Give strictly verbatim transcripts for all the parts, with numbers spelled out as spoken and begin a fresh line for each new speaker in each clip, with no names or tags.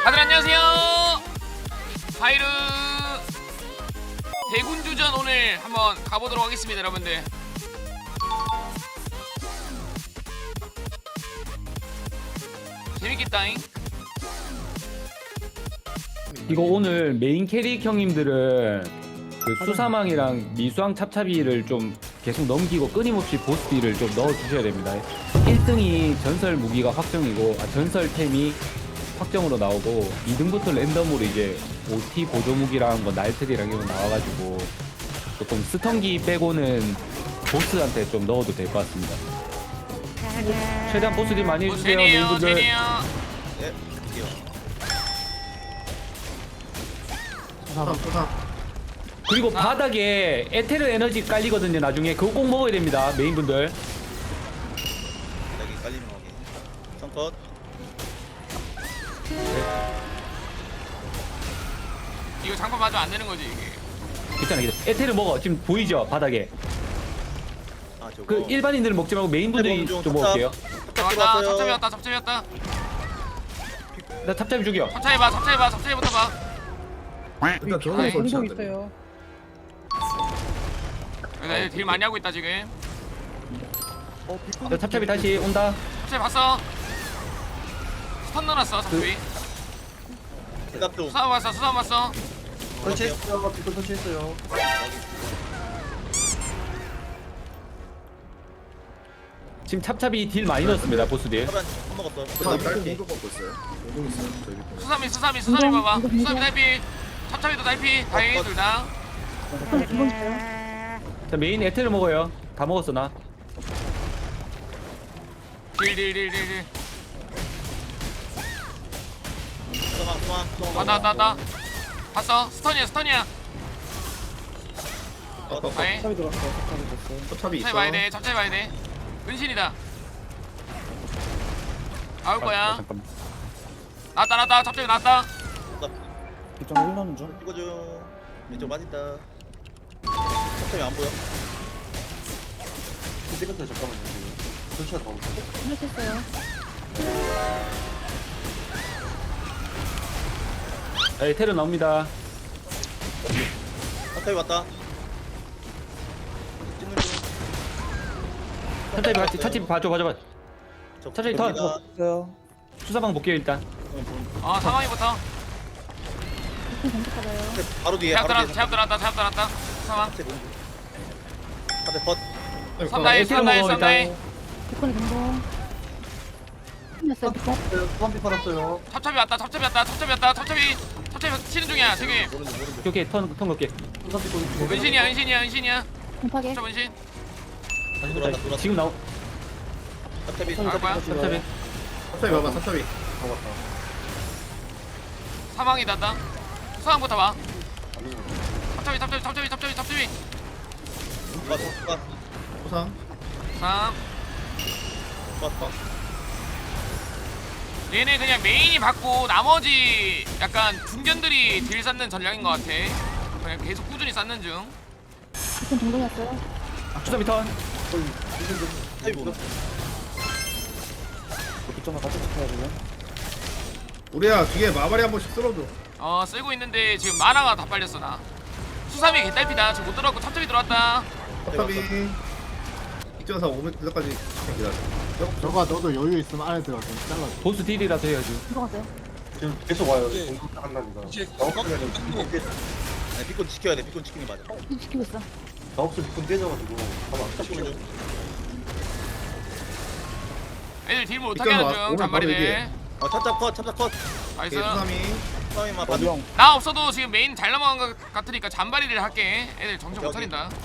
다들 안녕하세요. 하이르 대군주전 오늘 한번 가보도록 하겠습니다, 여러분들. 재밌겠다잉.
이거 오늘 메인 캐릭 형님들은 그 수사망이랑 미수왕 찹찹이를 좀 계속 넘기고 끊임없이 보스 딜을 좀 넣어주셔야 됩니다. 일 등이 전설 무기가 확정이고, 아, 전설템이 확정으로 나오고, 이 등부터 랜덤으로 이제 오티 보조 무기랑 뭐 날트리랑 이런 거 나와가지고 조금 스턴기 빼고는 보스한테 좀 넣어도 될 것 같습니다. 최대한 보스 딜 많이
뭐
해주세요,
제니에요,
메인분들.
제니에요.
예, 드디어.
부상 부상
그리고
아.
바닥에 에테르 에너지 깔리거든요. 나중에 그거 꼭 먹어야 됩니다, 메인분들.
여기 깔리는 거기. 성컷.
이거 장판 맞으면 안 되는 거지 이게.
괜찮아, 괜찮아. 에테르 먹어. 지금 보이죠, 바닥에.
아 저거.
그 일반인들은 먹지 말고 메인분들이
네, 좀
좀 먹을게요.
왔다, 찹찹이었다, 찹찹이었다.
나 찹찹이 죽여.
찹찹이 봐, 찹찹이 봐, 찹찹이부터 봐.
일단 저거
아이,
설치해야
공격
돼.
있어요.
나 딜 많이 하고 있다 지금.
나 찹찹이 다시 온다.
찹찹이 봤어. 스턴 넣어놨어, 찹찹이.
대답 좀.
수사 봤어, 수사 봤어.
설치했어요. 비콘 설치했어요.
지금 찹찹이 딜 많이 넣었습니다, 보스 딜.
한 먹었어.
부상
대답
비콘
짧게.
공격 받고 있어요. 공격 있어요. 저희 비콘.
수삼이, 수삼이, 수삼이
인정,
봐봐.
인정,
수삼이
인정.
달피, 찹찹이도 달피. 다행히 둘 다.
기본 있어요.
자, 메인 에테르 먹어요. 다 먹었어, 나.
딜, 딜, 딜, 딜, 딜.
소망 소망 소망.
왔다, 왔다, 왔다. 봤어? 스턴이야, 스턴이야.
어, 어,
다행.
탑이 들어왔어. 탑이 됐어.
찹찹이
찹찹이
있어.
봐야 돼, 찹찹이 봐야 돼. 은신이다. 나올
아,
거야.
잠깐만.
나왔다, 나왔다. 찹찹이 나왔다.
이점 일 넣는 중.
이거 좀. 왼쪽 맞았다. 갑자기 안 보여.
시간대 잠깐만요. 설치가 더 없어.
시작했어요.
자, 에테르 나옵니다.
갑자기 왔다. 찍는 중.
찹찹이 같이, 찹찹이 봐줘, 봐줘, 봐줘.
저
차라리 더-
갑니다.
있어요.
수사방 볼게요, 일단.
어, 상황이부터.
비콘 공격받아요.
바로 뒤에.
제압
바로
들어왔다,
뒤에.
제압 들어왔다, 제압 들어왔다. 상황.
갑자기 너무. 갑자기 벗.
썸나이,
에테르
썸나이,
먹어,
썸나이.
일단.
비콘이 공공. 끝났어요. 비콘.
소환비 팔았어요.
찹찹이 왔다, 찹찹이 왔다, 찹찹이 왔다, 찹찹이. 찹찹이 치는 중이야, 지금.
모르는 중 모르는 중.
오케이, 턴, 턴 걸게.
소환비 비콘.
은신이야, 은신이야, 은신이야.
공파괴.
찹찹 은신.
다시 돌아왔다 돌아왔다.
지금 나오,
갑자기.
나올 거야.
찹찹이.
찹찹이 봐봐. 찹찹이. 다 왔다.
사망이 났다. 수상부터 봐. 찹찹이, 찹찹이, 찹찹이, 찹찹이, 찹찹이.
벗. 벗.
부상.
삼.
벗. 벗.
얘네 그냥 메인이 받고 나머지 약간 중견들이 딜 쌓는 전략인 것 같아. 그냥 계속 꾸준히 쌓는 중.
비콘 동동이었어요.
수사비 턴.
타이 보는.
비점을 같이 지켜야 되네.
우리야 뒤에 마발이 한 번씩 쓸어줘.
어 쓸고 있는데 지금 마나가 다 빨렸어 나. 수삼이 개딸피다. 지금 못 들어왔고 찹찹이 들어왔다.
찹찹이. 이점사 오면 그때까지 기다려.
저거 너도 여유 있으면 안에 들어가 좀 잘라줘.
보스 딜이라도 해야지.
들어갔어요.
지금 계속 와요. 공격 한다니까.
이제 네, 비콘 지켜야 돼. 비콘 지키는 게 맞아.
좀 지키고 있어.
나 없으면 비콘 깨져가지고. 가만.
지키는 중.
애들 딜 못하게
이쪽으로
하는
와.
중.
오면 바로
잔발이네.
얘기해.
어, 찹찹 컷, 찹찹 컷.
나이스.
수삼이.
수상이만 봐줘.
나 없어도 지금 메인 잘 넘어간 것 같으니까 잔발이를 할게. 애들 정신 못
오케이,
차린다.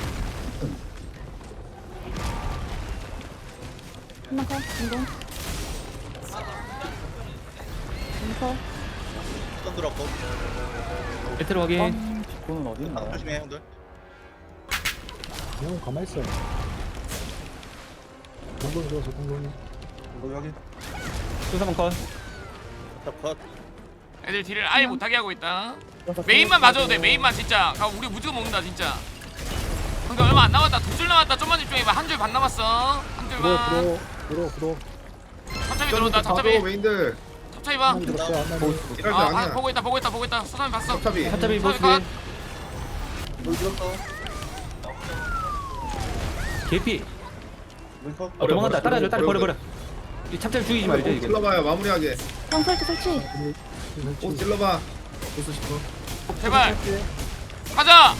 한번 컷. 공동. 공커.
수상 들어왔고.
에테르 확인.
비콘은 어디
아, 조심해, 형들.
그냥 가만히 있어. 공동이 들어서 공동이.
공격 확인.
수사방 컷.
찹찹 컷.
애들 딜을 아예 못하게 하고 있다. 메인만 맞아도 돼. 메인만 진짜. 가 우리 무조건 먹는다 진짜. 그러니까 얼마 안 남았다. 두 줄 남았다. 좀만 집중해봐. 한 줄 반 남았어. 한
들어
줄만.
들어 들어 들어.
찹찹이 들어온다.
봐줘
찹찹이.
메인들.
찹찹이 찹찹이 봐.
안 들었어 안 나네.
이럴 때
아, 아
아니야.
보고 있다 보고 있다 보고 있다. 수삼이 봤어.
찹찹이.
찹찹이 보스
컷.
뭘 들었어?
개피.
우리 컷.
어, 도망간다. 따라줘. 따라 버려
버려,
버려. 이 찹찹 죽이지 말자
꼭
이거.
찔러봐요 마무리하게.
형 설치 설치.
꼭 찔러봐. 보스 싶어.
제발. 가자.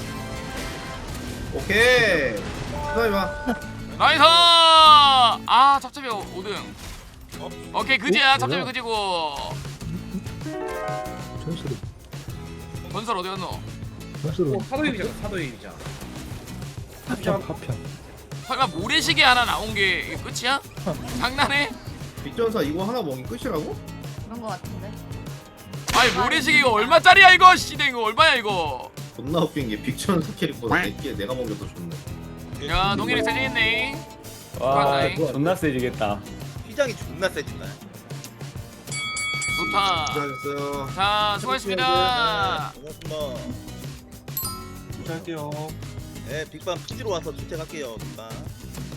오케이. 수삼이 봐.
나이스. 아 찹찹이 오 등. 오케이 그지야.
어,
찹찹이
뭐야?
그지고.
전설이
건설 어디 갔노?
전설은
사도입이잖아 사도입이잖아.
파편 파편.
설마 모래시계 하나 나온 게 이게 끝이야? 장난해?
빅전사 이거 하나 먹인 끝이라고?
그런 거 같은데.
아니 모래시계 이거 얼마짜리야 이거? 씨대 이거 얼마야 이거?
존나 웃긴 게 빅전사 캐릭보다 내게 내가 먹여도 좋네.
야 동일이 세지겠네.
와
좋았네.
존나 세지겠다.
휘장이 존나 세진다.
좋다.
수고하셨어요.
자 수고하셨습니다.
고맙습니다.
할게요.
네 빅밤 투지로 와서 주택할게요 빅밤.